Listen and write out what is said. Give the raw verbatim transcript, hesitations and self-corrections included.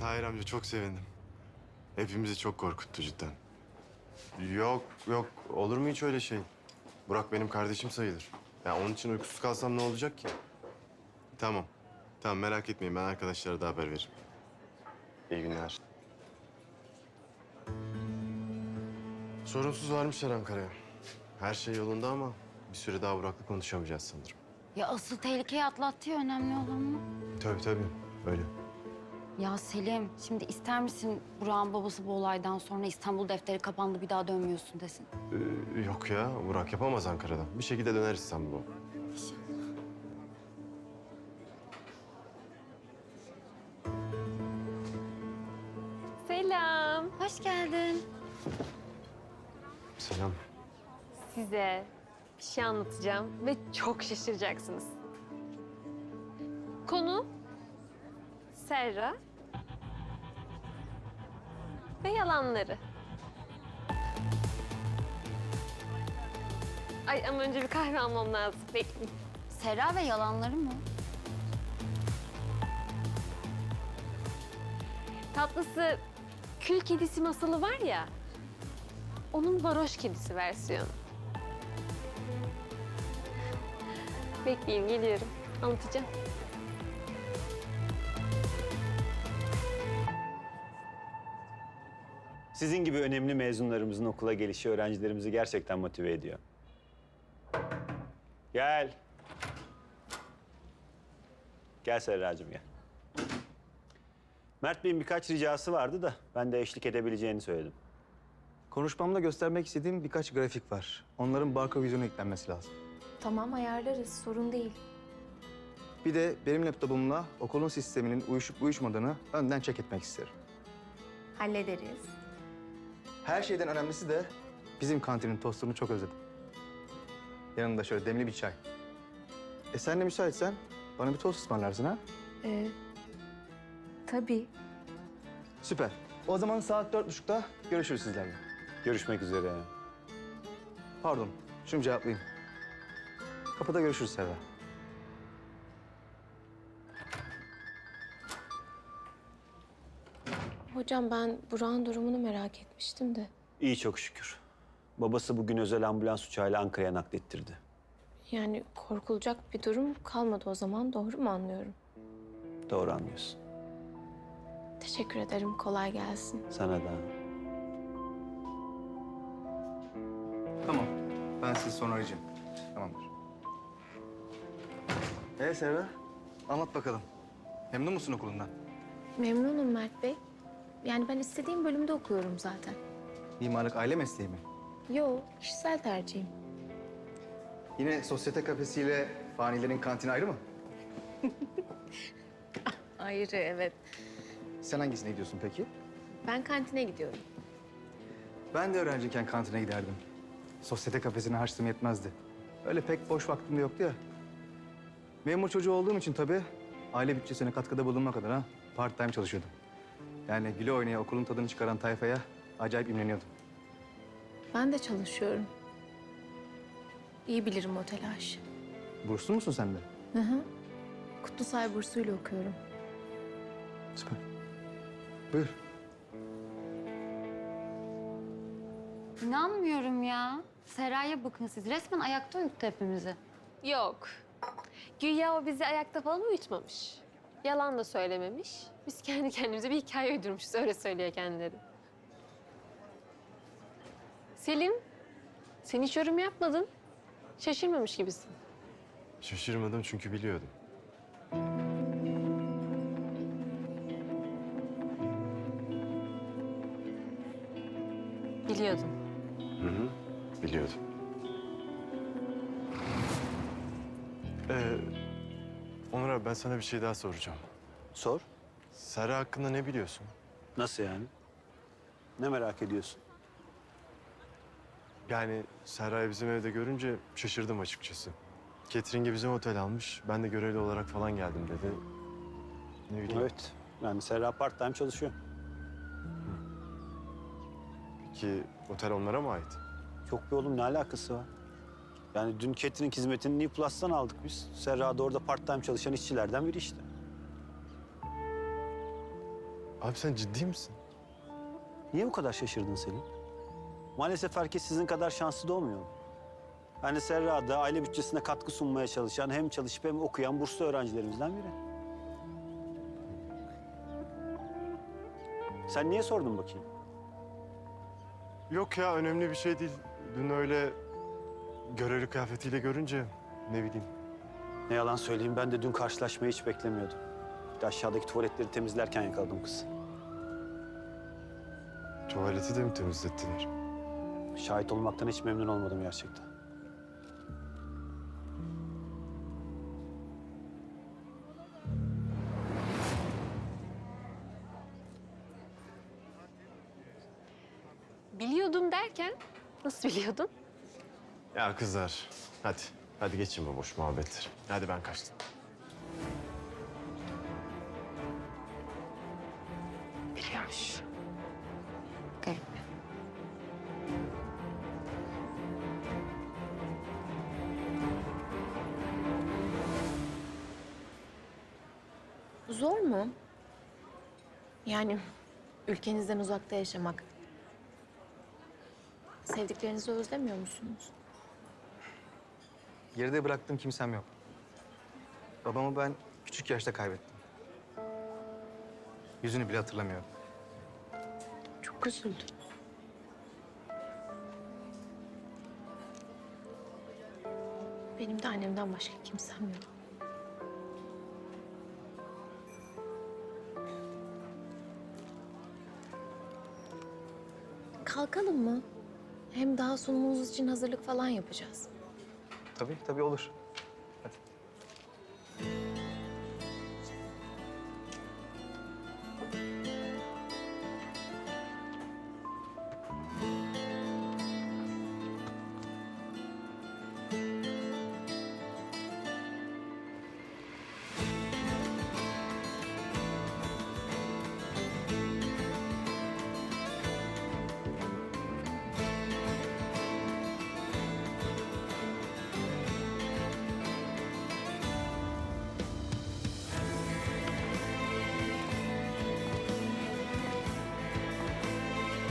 Tahir amca çok sevindim. Hepimizi çok korkuttu cidden. Yok yok olur mu hiç öyle şey? Burak benim kardeşim sayılır. Ya onun için uykusuz kalsam ne olacak ki? Tamam. Tamam merak etmeyin ben arkadaşlara da haber veririm. İyi günler. Sorunsuz varmışlar Ankara'ya. Her şey yolunda ama bir süre daha Burak'la konuşamayacağız sanırım. Ya asıl tehlikeyi atlattı ya, önemli olan o. Tabii tabii öyle. Ya Selim, şimdi ister misin Burak'ın babası bu olaydan sonra İstanbul defteri kapandı bir daha dönmüyorsun desin? Ee, yok ya Burak yapamaz Ankara'dan. Bir şekilde döner İstanbul'a. İnşallah. Selam. Hoş geldin. Selam. Size bir şey anlatacağım ve çok şaşıracaksınız. Konu Serra ve yalanları. Ay ama önce bir kahve almam lazım. Bekleyin. Sera ve yalanları mı? Tatlısı kül kedisi masalı var ya, onun varoş kedisi versiyonu. Bekleyin, geliyorum. Anlatacağım. Sizin gibi önemli mezunlarımızın okula gelişi öğrencilerimizi gerçekten motive ediyor. Gel. Gel Serracığım gel. Mert Bey'in birkaç ricası vardı da ben de eşlik edebileceğini söyledim. Konuşmamda göstermek istediğim birkaç grafik var. Onların barko vizyonu eklenmesi lazım. Tamam, ayarlarız. Sorun değil. Bir de benim laptopumla okulun sisteminin uyuşup uyuşmadığını önden check etmek isterim. Hallederiz. Her şeyden önemlisi de bizim kantinin tostunu çok özledim. Yanında şöyle demli bir çay. E sen de müsaitsen bana bir tost ısmarlarsın ha? Ee, tabii. Süper. O zaman saat dört buçukta görüşürüz sizlerle. Görüşmek üzere. Pardon, şunu cevaplayayım. Kapıda görüşürüz Serra. Hocam ben Burak'ın durumunu merak etmiştim de. İyi çok şükür. Babası bugün özel ambulans uçağıyla Ankara'ya naklettirdi. Yani korkulacak bir durum kalmadı o zaman. Doğru mu anlıyorum? Doğru anlıyorsun. Teşekkür ederim. Kolay gelsin. Sana da. Tamam. Ben sizi sonra arayacağım. Tamamdır. Ee Serra, anlat bakalım. Memnun musun okulundan? Memnunum Mert Bey. Yani ben istediğim bölümde okuyorum zaten. Mimarlık aile mesleği mi? Yo, kişisel tercihim. Yine sosyete kafesiyle fanilerin kantini ayrı mı? Ayrı, evet. Sen hangisine gidiyorsun peki? Ben kantine gidiyorum. Ben de öğrenciyken kantine giderdim. Sosyete kafesine harçlığım yetmezdi. Öyle pek boş vaktim de yoktu ya. Memur çocuğu olduğum için tabii aile bütçesine katkıda bulunmak adına part time çalışıyordum. Yani güle oynaya okulun tadını çıkaran tayfaya acayip imreniyordum. Ben de çalışıyorum. İyi bilirim o telaşı. Burslu musun sen de? Hı hı. Kutlusay bursuyla okuyorum. Süper. Buyur. İnanmıyorum ya. Sera'ya bakın siz. Resmen ayakta uyuttu hepimizi. Yok. Güya o bizi ayakta falan uyutmamış. Yalan da söylememiş. Biz kendi kendimize bir hikaye uydurmuşuz. Öyle söylüyor kendileri. Selim, sen hiç yorum yapmadın. Şaşırmamış gibisin. Şaşırmadım çünkü biliyordum. Biliyordun. Hı hı. Biliyordum. Ee, Onur abi ben sana bir şey daha soracağım. Sor. Serra hakkında ne biliyorsun? Nasıl yani? Ne merak ediyorsun? Yani Serra'yı bizim evde görünce şaşırdım açıkçası. Catering'e bizim otel almış. Ben de görevli olarak falan geldim dedi. Ne bileyim. Evet. Yani Serra part time çalışıyor. Peki otel onlara mı ait? Yok be oğlum ne alakası var? Yani dün catering hizmetini New Plus'tan aldık biz. Serra da orada part time çalışan işçilerden biri işte. Abi sen ciddi misin? Niye bu kadar şaşırdın Selim? Maalesef herkes sizin kadar şanslı doğmuyor. Ben de Serra'da aile bütçesine katkı sunmaya çalışan, hem çalışıp hem okuyan burslu öğrencilerimizden biri. Sen niye sordun bakayım? Yok ya, önemli bir şey değil. Dün öyle görevli kıyafetiyle görünce ne bileyim. Ne yalan söyleyeyim, ben de dün karşılaşmayı hiç beklemiyordum. Bir de aşağıdaki tuvaletleri temizlerken yakaladım kızı. Tuvaleti de mi temizlettiler? Şahit olmaktan hiç memnun olmadım gerçekten. Biliyordum derken nasıl biliyordun? Ya kızlar, hadi. Hadi geçin bu boş muhabbetleri. Hadi ben kaçtım. Biliyormuş. Garip. Zor mu? Yani ülkenizden uzakta yaşamak. Sevdiklerinizi özlemiyor musunuz? Geride bıraktığım kimsem yok. Babamı ben küçük yaşta kaybettim. Yüzünü bile hatırlamıyorum. Çok üzüldüm. Benim de annemden başka kimsem yok. Kalkalım mı? Hem daha sunumumuz için hazırlık falan yapacağız. Tabii tabii olur.